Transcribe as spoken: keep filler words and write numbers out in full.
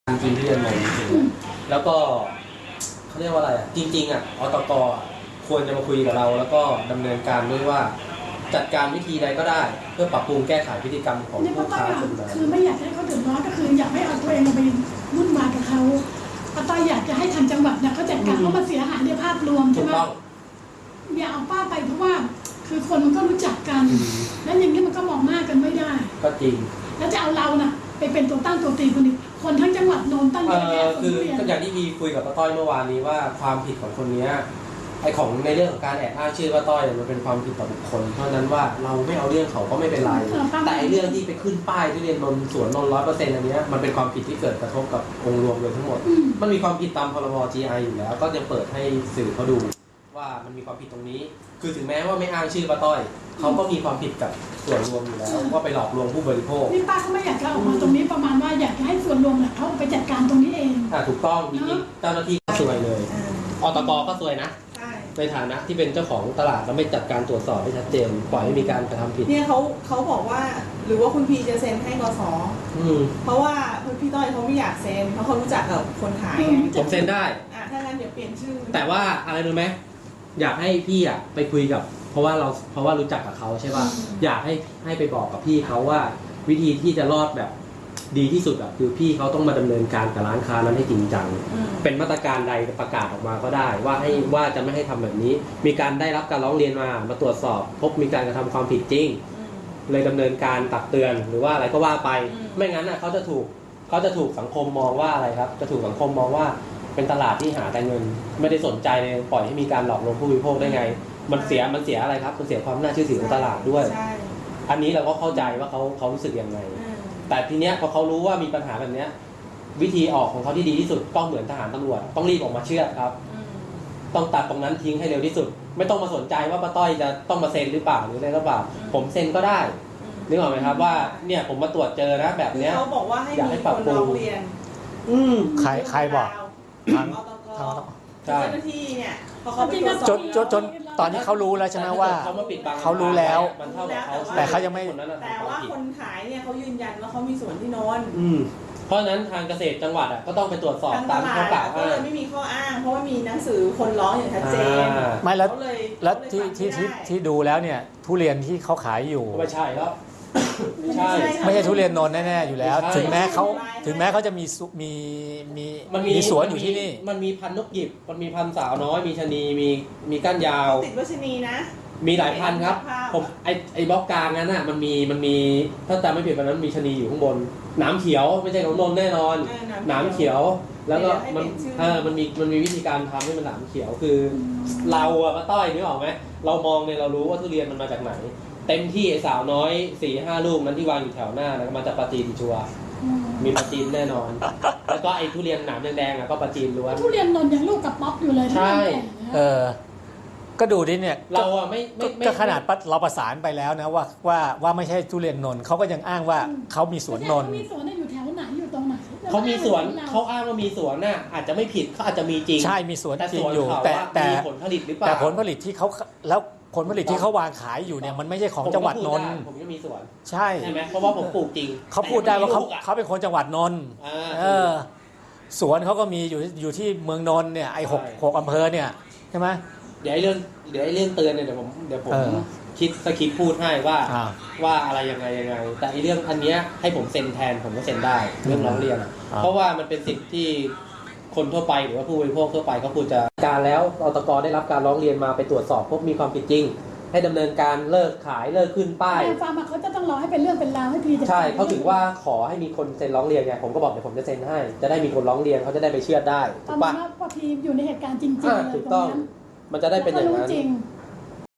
จริงที่เรียนมาจริงๆแล้วก็เขาเรียกว่าอะไรอ่ะจริงๆอ่ะอตกควรจะมาคุยกับเราแล้วก็ดำเนินการด้วยว่าจัดการวิธีใดก็ได้เพื่อปรับปรุงแก้ไขพฤติกรรมของผู้ค้าคนนั้นคือไม่อยากให้เขาเดือดร้อนก็คืออยากให้เอาตัวเองไปวุ่นวายกับเขาป้าต้อยอยากจะให้ทางจังหวัดเนี่ยเขาจัดการเพราะมันเสียหายในภาพรวมใช่ไหมอย่าเอาป้าไปเพราะว่าคือคนมันก็รู้จักกันแล้วอย่างนี้มันก็มองหน้ากันไม่ได้ก็จริงแล้วจะเอาเราน่ะไปเป็นตัวตั้งตัวตีคนนี้คนทั้งจังหวัดโนนตั้งเยอะแยะคือก็อย่างที่พี่คุยกับป้าต้อยเมื่อวานนี้ว่าความผิดของคนนี้ไอของในเรื่องของการแอบอ้างชื่อป้าต้อยมันเป็นความผิดต่อบุคคลเพราะนั้นว่าเราไม่เอาเรื่องเขาก็ไม่เป็นไรแต่ไอเรื่องที่ไปขึ้นป้ายที่เรียนนนสวนนนร้อยเปอร์เซ็นต์อันนี้มันเป็นความผิดที่เกิดกระทบกับองค์รวมโดยทั้งหมดมันมีความผิดตามพรบ จี ไอ อยู่แล้วก็จะเปิดให้สื่อเขาดูว่ามันมีความผิดตรงนี้คือถึงแม้ว่าไม่อ้างชื่อป้าต้อยเขาก็มีความผิดกับส่วนรวมอยู่แล้วว่าไปหลอกลวงผู้บริโภคนี่ป้าเขาไม่อยากจะออกมาตรงนี้ประมาณว่าอยากจะให้ส่วนรวมเนี่ยเขาไปจัดการตรงนี้เองอ่าถูกต้องจริงๆเจ้าหน้าที่ก็ซวยเลยอตกก็ซวยนะในฐานะที่เป็นเจ้าของตลาดแล้วไม่จัดการตรวจสอบให้ชัดเจนปล่อยให้มีการกระทำผิดเนี่ยเขาเขาบอกว่าหรือว่าคุณพีจะเซ็นให้กสเพราะว่าคุณพี่ต้อยเขาไม่อยากเซ็นเพราะเขารู้จักกับคนขายผมเซ็นได้อ่ะถ้างั้นเดี๋ยวเปลี่ยนชื่อแต่ว่าอะไรรู้ไหมอยากให้พี่อ่ะไปคุยกับเพราะว่าเราเพราะว่ารู้จักกับเขาใช่ป่ะอยากให้ให้ไปบอกกับพี่เขาว่าวิธีที่จะรอดแบบดีที่สุดอ่ะคือพี่เขาต้องมาดำเนินการกับร้านค้านั้นให้จริงจังเป็นมาตรการใดประกาศออกมาก็ได้ว่าให้ว่าจะไม่ให้ทำแบบนี้มีการได้รับการร้องเรียนมามาตรวจสอบพบมีการกระทำความผิดจริงเลยดำเนินการตักเตือนหรือว่าอะไรก็ว่าไปไม่งั้นอ่ะเขาจะถูกเขาจะถูกสังคมมองว่าอะไรครับจะถูกสังคมมองว่าเป็นตลาดที่หาแต่เงินไม่ได้สนใจในปล่อยให้มีการหลอกลวงผู้บริโภคได้ไงมันเสียมันเสียอะไรครับมันเสียความน่าเชื่อถือของตลาดด้วยอันนี้เราก็เข้าใจว่าเขาเขารู้สึกยังไงแต่ทีเนี้ยพอเขารู้ว่ามีปัญหาแบบเนี้ยวิธีออกของเขาที่ดีที่สุดต้องเหมือนทหารตำรวจต้องรีบออกมาเชื่อครับต้องตัดตรงนั้นทิ้งให้เร็วที่สุดไม่ต้องมาสนใจว่าป้าต้อยจะต้องมาเซ็นหรือเปล่าหรืออะไรหรือเปล่าผมเซ็นก็ได้นึกออกไหมครับว่าเนี่ยผมมาตรวจเจอนะแบบเนี้ยเขาบอกว่าให้มีคนร้องเรียนอืมใครใครบอกทางทางเจ้าหน้าที่เนี่ยพอเขาไปตรวจสอบจนจนจนตอนนี้เขารู้แล้วใช่ไหมว่าเขารู้แล้วแต่เขายังไม่แต่ว่าคนขายเนี่ยเขายืนยันว่าเขามีส่วนที่โนนเพราะฉะนั้นทางเกษตรจังหวัดอ่ะก็ต้องไปตรวจสอบตามข้อกล่าวอ้างไม่มีข้ออ้างเพราะว่ามีหนังสือคนร้องอย่างชัดเจนไม่แล้วแล้วที่ที่ที่ที่ดูแล้วเนี่ยทุเรียนที่เขาขายอยู่ไม่ใช่แล้วไม่ใช่ไม่ใช่ทุเรียนนนท์แน่ๆอยู่แล้วถึงแม้เขาถึงแม้เขาจะมีมีมีมีสวนอยู่ที่นี่มันมีพันธุ์นกหยิบมันมีพันธุ์สาวน้อยมีชะนีมีมีก้านยาวติดวัชนีนะมีหลายพันธุ์ครับผมไอไอบล็อกกลางนั้นน่ะมันมีมันมีถ้าจำไม่ผิดวันนั้นมีชะนีอยู่ข้างบนหนามเขียวไม่ใช่ของนนท์แน่นอนหนามเขียวแล้วก็มันเออมันมีมันมีวิธีการทำให้มันหนามเขียวคือเราอะป้าต้อยนึกออกไหมเรามองเนี่ยเรารู้ว่าทุเรียนมันมาจากไหนเต็มที่ไอ้สาวน้อยสี่ห้าลูกนั้นที่วางอยู่แถวหน้านะมาจากปลาจีนชัวมีปลาจีนแน่นอนแล้วก็ไอ้ทุเรียนหนามแดงๆอ่ะก็ปลาจีนล้วนทุเรียนนนท์ยังลูกกับป๊อปอยู่เลยใช่เออก็ดูดิเนี่ยเราอะไม่ไม่ก็ขนาดเราประสานไปแล้วนะว่าว่าว่าไม่ใช่ทุเรียนนนท์เขาก็ยังอ้างว่าเขามีสวนนนท์มีสวนอยู่แถวไหนอยู่ตรงไหนเขามีสวนเขาอ้างว่ามีสวนน่ะอาจจะไม่ผิดเขาอาจจะมีจริงใช่มีสวนจริงอยู่แต่แต่ผลผลิตหรือเปล่าแต่ผลผลิตที่เขาแล้วผลผลิตที่เขาวางขายอยู่เนี่ยมันไม่ใช่ของจังหวัดนนท์ผมก็มีสวนใช่ใช่ไหมเพราะว่าผมปลูกจริงเขาพูดได้ว่าเขาเขาเป็นคนจังหวัดนนท์เออสวนเขาก็มีอยู่อยู่ที่เมืองนนท์เนี่ยไอ้หกหกอำเภอเนี่ยใช่ไหมเดี๋ยวไอ้เรื่องเดี๋ยวไอ้เรื่องเตือนเนี่ยเดี๋ยวผมเดี๋ยวผมคิดสคริปต์พูดให้ว่าว่าอะไรยังไงยังไงแต่ไอ้เรื่องอันเนี้ยให้ผมเซ็นแทนผมก็เซ็นได้เรื่องร้องเรียนเพราะว่ามันเป็นสิทธิ์ที่คนทั่วไปหรือว่าผู้บริโภคทั่วไปก็ควรจะการแล้วอตกได้รับการร้องเรียนมาไปตรวจสอบพบมีความผิดจริงให้ดำเนินการเลิกขายเลิกขึ้นป้ายฟาร์มเขาจะต้องรอให้เป็นเรื่องเป็นราวให้พีใช่เขาถือว่าขอให้มีคนเซ็นร้องเรียนไงผมก็บอกเดี๋ยวผมจะเซ็นให้จะได้มีคนร้องเรียนเขาจะได้ไปเชื่อได้ถูกปะพอพีอยู่ในเหตุการณ์จริงๆถูกต้องมันจะได้เป็นอย่างนั้น